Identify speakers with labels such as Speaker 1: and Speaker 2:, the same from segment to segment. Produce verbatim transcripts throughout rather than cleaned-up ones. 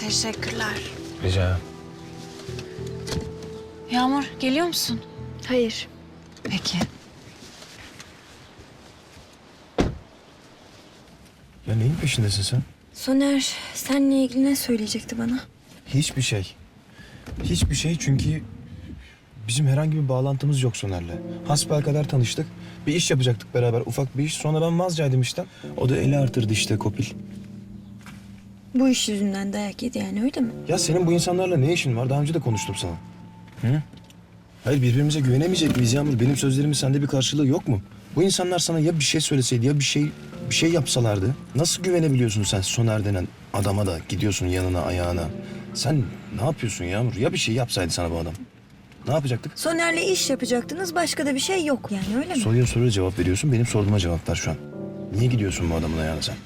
Speaker 1: Teşekkürler.
Speaker 2: Rica.
Speaker 1: Yağmur, geliyor musun?
Speaker 3: Hayır.
Speaker 1: Peki.
Speaker 2: Ya neyin peşindesin sen?
Speaker 3: Soner seninle ilgili ne söyleyecekti bana?
Speaker 2: Hiçbir şey. Hiçbir şey çünkü bizim herhangi bir bağlantımız yok Soner'le. Hasbelkader tanıştık. Bir iş yapacaktık beraber, ufak bir iş. Sonra ben vazgeçtim işten. O da eli artırdı işte Kopil.
Speaker 3: Bu iş yüzünden dayak yedi yani öyle mi?
Speaker 2: Ya senin bu insanlarla ne işin var? Daha önce de konuştum sana. Hı? Hayır, birbirimize güvenemeyecek miyiz Yağmur? Benim sözlerimin sende bir karşılığı yok mu? Bu insanlar sana ya bir şey söyleseydi ya bir şey bir şey yapsalardı. Nasıl güvenebiliyorsun sen Soner denen adama da gidiyorsun yanına ayağına? Sen ne yapıyorsun Yağmur? Ya bir şey yapsaydı sana bu adam? Ne yapacaktık?
Speaker 3: Soner'le iş yapacaktınız, başka da bir şey yok yani öyle mi?
Speaker 2: Soruya soruya cevap veriyorsun. Benim sorduğuma cevap ver şu an. Niye gidiyorsun bu adamın ayağına sen?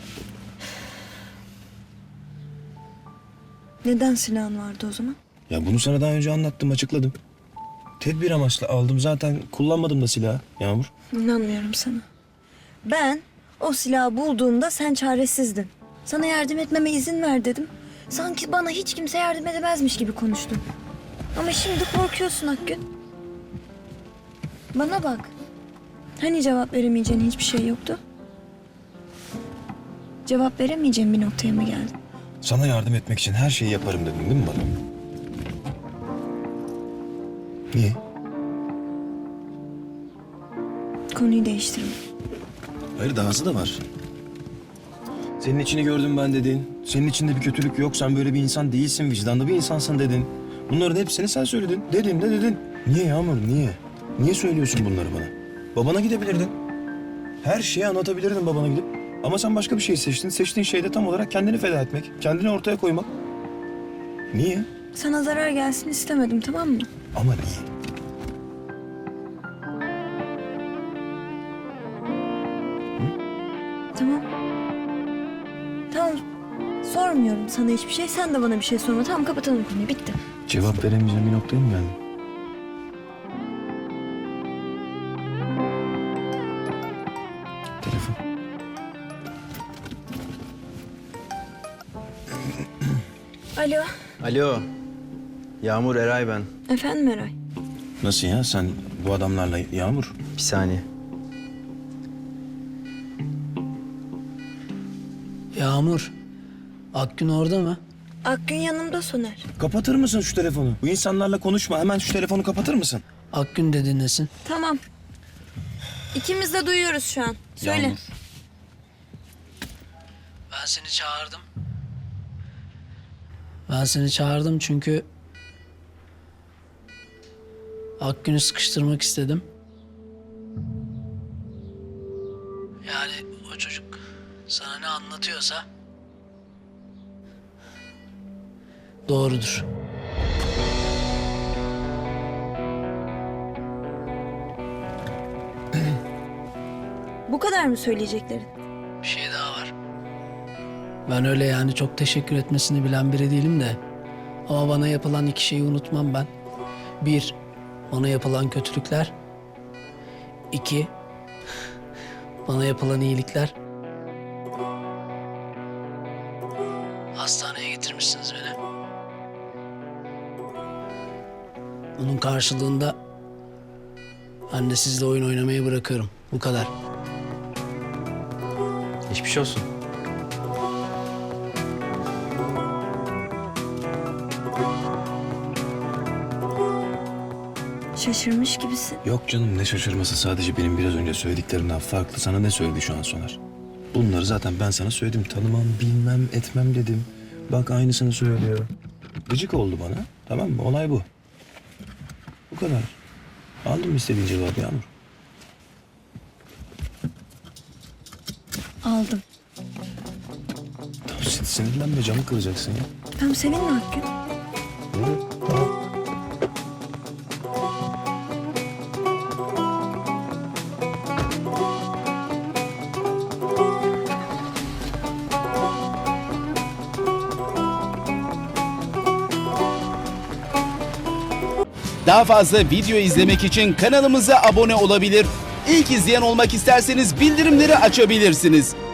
Speaker 3: Neden silahın vardı o zaman?
Speaker 2: Ya bunu sana daha önce anlattım, açıkladım. Tedbir amaçlı aldım. Zaten kullanmadım da silahı Yağmur.
Speaker 3: İnanmıyorum sana. Ben o silahı bulduğumda sen çaresizdin. Sana yardım etmeme izin ver dedim. Sanki bana hiç kimse yardım edemezmiş gibi konuştun. Ama şimdi korkuyorsun Akgün. Bana bak. Hani cevap veremeyeceğin hiçbir şey yoktu? Cevap veremeyeceğin bir noktaya mı geldin?
Speaker 2: Sana yardım etmek için her şeyi yaparım dedin değil mi bana? Niye?
Speaker 3: Konuyu değiştirme.
Speaker 2: Hayır, dahası da var. Senin içini gördüm ben dedin. Senin içinde bir kötülük yok. Sen böyle bir insan değilsin. Vicdanlı bir insansın dedin. Bunların hepsini sen söyledin. Dedin de dedin. Niye Yağmur, niye? Niye söylüyorsun bunları bana? Babana gidebilirdin. Her şeyi anlatabilirdin babana gidip. Ama sen başka bir şey seçtin. Seçtiğin şey de tam olarak kendini feda etmek. Kendini ortaya koymak. Niye?
Speaker 3: Sana zarar gelsin istemedim, tamam mı?
Speaker 2: Ama niye?
Speaker 3: Tamam. Tamam. Sormuyorum sana hiçbir şey. Sen de bana bir şey sorma. Tamam, kapatalım konuyu. Bitti.
Speaker 2: Cevap veremeyeceğim bir noktaya mı geldin? Telefon.
Speaker 3: Alo.
Speaker 4: Alo. Yağmur, Eray ben.
Speaker 3: Efendim Eray.
Speaker 2: Nasıl ya? Sen bu adamlarla Yağmur?
Speaker 4: Bir saniye.
Speaker 5: Yağmur, Akgün orada mı?
Speaker 3: Akgün yanımda Soner.
Speaker 2: Kapatır mısın şu telefonu? Bu insanlarla konuşma. Hemen şu telefonu kapatır mısın?
Speaker 5: Akgün de dinlesin.
Speaker 3: Tamam. İkimiz de duyuyoruz şu an. Söyle.
Speaker 2: Yağmur.
Speaker 5: Ben seni çağırdım. Ben seni çağırdım çünkü Akgün'ü sıkıştırmak istedim. Yani o çocuk sana ne anlatıyorsa doğrudur.
Speaker 3: Bu kadar mı söyleyeceklerin?
Speaker 5: Bir şey daha var. Ben öyle yani çok teşekkür etmesini bilen biri değilim de. Ama bana yapılan iki şeyi unutmam ben. Bir, bana yapılan kötülükler. İki, bana yapılan iyilikler. Hastaneye getirmişsiniz beni. Bunun karşılığında ben de sizle oyun oynamayı bırakıyorum. Bu kadar.
Speaker 4: Geçmiş olsun.
Speaker 3: Şaşırmış gibisin.
Speaker 2: Yok canım, ne şaşırması, sadece benim biraz önce söylediklerimden farklı. Sana ne söyledi şu an Soner? Bunları zaten ben sana söyledim. Tanımam, bilmem, etmem dedim. Bak aynısını söylüyor. Gıcık oldu bana. Tamam mı? Olay bu. Bu kadar. Aldın mı istediğin cevabı Yağmur?
Speaker 3: Aldım.
Speaker 2: Tamam, sin- sinirlenme, camı kıracaksın ya.
Speaker 3: Tamam, seninle Akgün.
Speaker 2: Hı? Tamam.
Speaker 6: Daha fazla video izlemek için kanalımıza abone olabilir. İlk izleyen olmak isterseniz bildirimleri açabilirsiniz.